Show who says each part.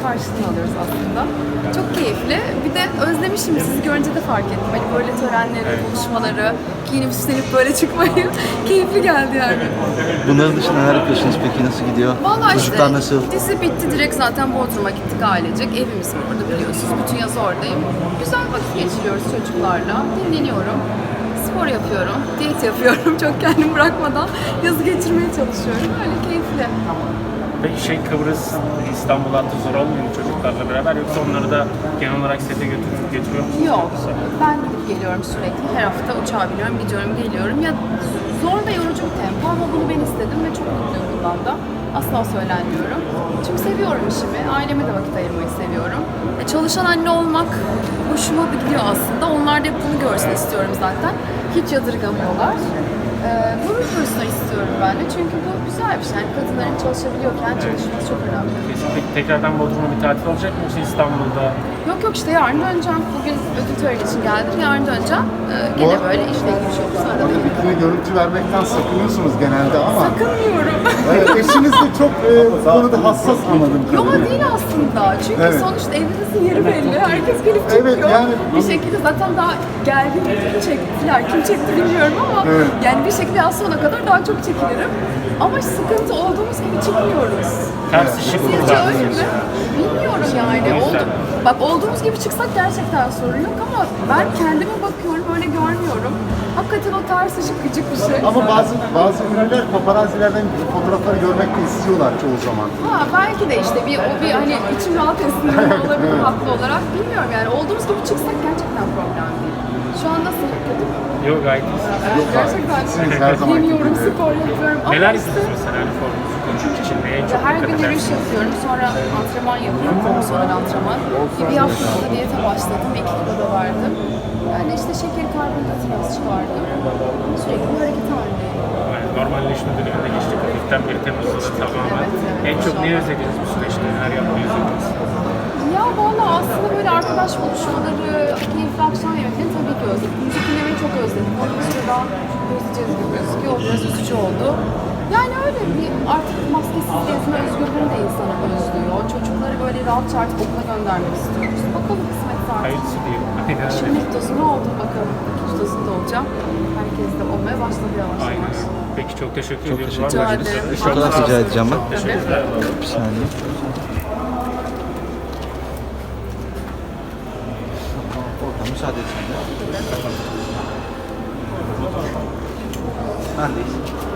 Speaker 1: karşılığını alıyoruz aslında. Çok keyifli. Bir de özlemişim, sizi görünce de fark ettim. Hani böyle törenleri, buluşmaları, giyinip süslenip böyle çıkmayı keyifli geldi yani.
Speaker 2: Bunların dışında neler yapıyorsunuz peki? Nasıl gidiyor?
Speaker 1: Vallahi
Speaker 2: Çocuklar
Speaker 1: işte,
Speaker 2: nasıl?
Speaker 1: dizi bitti, direkt zaten Bodrum'a gittik ailecek. Evimiz var orada biliyorsunuz. Bütün yaz oradayım. Güzel vakit geçiriyoruz çocuklarla. Dinleniyorum. Spor yapıyorum, diyet yapıyorum. Çok kendimi bırakmadan yazı geçirmeye çalışıyorum. Öyle keyifli.
Speaker 3: Peki Kıbrıs, İstanbul hattı zor olmuyor mu çocuklarla beraber, yoksa onları da genel olarak sete götürüyor musunuz?
Speaker 1: Yok, ben gidip geliyorum sürekli. Her hafta uçağa biniyorum, gidiyorum, geliyorum. Ya zor ve yorucu bir tempo ama bunu ben istedim ve çok mutluyum bundan da. Asla söylenmiyorum. Çünkü seviyorum işimi, aileme de vakit ayırmayı seviyorum. Çalışan anne olmak hoşuma gidiyor aslında. Onlar da hep bunu görsün istiyorum zaten. Hiç yadırgamıyorlar. Gurur duysunlar istiyorum ben de. Çünkü bu güzel bir şey. Yani kadınların çalışabiliyorken çalışması çok önemli.
Speaker 3: Peki tekrardan Bodrum'a bir tatil olacak mı, yoksa İstanbul'da?
Speaker 1: Yok işte yarın döneceğim. Bugün ödül töreni için geldim. Yarın döneceğim. Gene böyle işle ilgili bir şey olursa arada
Speaker 4: Orada bikini görüntü vermekten sakınıyorsunuz genelde ama
Speaker 1: sakınmıyorum.
Speaker 4: eşiniz de çok bu konuda hassas anladım
Speaker 1: Yok
Speaker 4: kadarıyla.
Speaker 1: değil aslında. Çünkü
Speaker 4: Evet.
Speaker 1: sonuçta evimizin yeri belli. Herkes gelip çekiyor.
Speaker 4: Evet, yani
Speaker 1: bir şekilde zaten daha geldiğinde kim çektiler, kim çekti bilmiyorum ama
Speaker 4: Evet.
Speaker 1: yani bir şekilde az sona kadar daha çok çekilirim. Ama sıkıntı olduğumuz gibi çıkmıyoruz.
Speaker 3: Ters ışık
Speaker 1: Sizce
Speaker 3: kullanıyor
Speaker 1: öyle mi?
Speaker 3: musun?
Speaker 1: Bilmiyorum yani. Bak olduğumuz gibi çıksak gerçekten sorun yok ama ben kendime bakıyorum, öyle görmüyorum. Hakikaten o ters ışık gıcık bir şey.
Speaker 4: Ama bazı ünlüler paparazzilerden fotoğrafları görmek de istiyorlar çoğu zaman.
Speaker 1: Ha belki de işte o bir hani içim rahat etsin diye olabilir haklı olarak. Bilmiyorum yani olduğumuz gibi çıksak gerçekten problem değil. Şu an nasıl? Kötü mü?
Speaker 3: Yok, gayet iyi.
Speaker 1: Gerçekten
Speaker 4: Siz her zaman
Speaker 1: yemiyorum, spor yapıyorum. Ama
Speaker 3: Neler
Speaker 1: işte
Speaker 3: yapıyorsunuz mesela hani formunuzu korumak için? Neye çok
Speaker 1: her
Speaker 3: dikkat
Speaker 1: gün yürüyüş
Speaker 3: edersiniz?
Speaker 1: yapıyorum, sonra antrenman yapıyorum, fonksiyonel antrenman. Bir haftada diyete başladım, 2 kilo da verdim. Yani işte şeker, karbonhidrat biraz çıkardım. Sürekli bir hareket halindeyim.
Speaker 3: Yani normalleşme döneminde geçtik. Hafiften bir Temmuz'da da tamamen.
Speaker 1: Evet,
Speaker 3: En çok
Speaker 1: inşallah.
Speaker 3: neyi özlediniz bu süreçte? Neler yapmayı özlediniz?
Speaker 1: Ya valla aslında böyle arkadaş buluşmaları, keyifli akşam yemeklerini tabii ki özledim. Müzik dinlemeyi çok özledim. Onu bir süre daha özleyeceğiz gibi gözüküyor. O biraz üzücü oldu. Yani öyle bir artık maskesiz gezme özgürlüğünü de insana özlüyor. Çocukları böyle rahatça artık okula göndermek istiyoruz. Bakalım kısmetse artık.
Speaker 3: Hayırlısı diyelim. Aynen öyle.
Speaker 1: Şimdi ilk dozunu oldum bakalım. İkinci dozunda olacağım. Herkes de olmaya başladı yavaş
Speaker 3: Aynen.
Speaker 1: yavaş.
Speaker 3: Peki çok teşekkür
Speaker 2: Çok
Speaker 3: ediyoruz.
Speaker 2: teşekkür
Speaker 3: Var mı
Speaker 1: ederim.
Speaker 3: başka
Speaker 1: Rica
Speaker 3: sorunuz?
Speaker 2: Fotoğraf rica edeceğim ben.
Speaker 3: Teşekkürler.
Speaker 2: Bir saniye. Oradan müsaade etsin. Ben deyiz.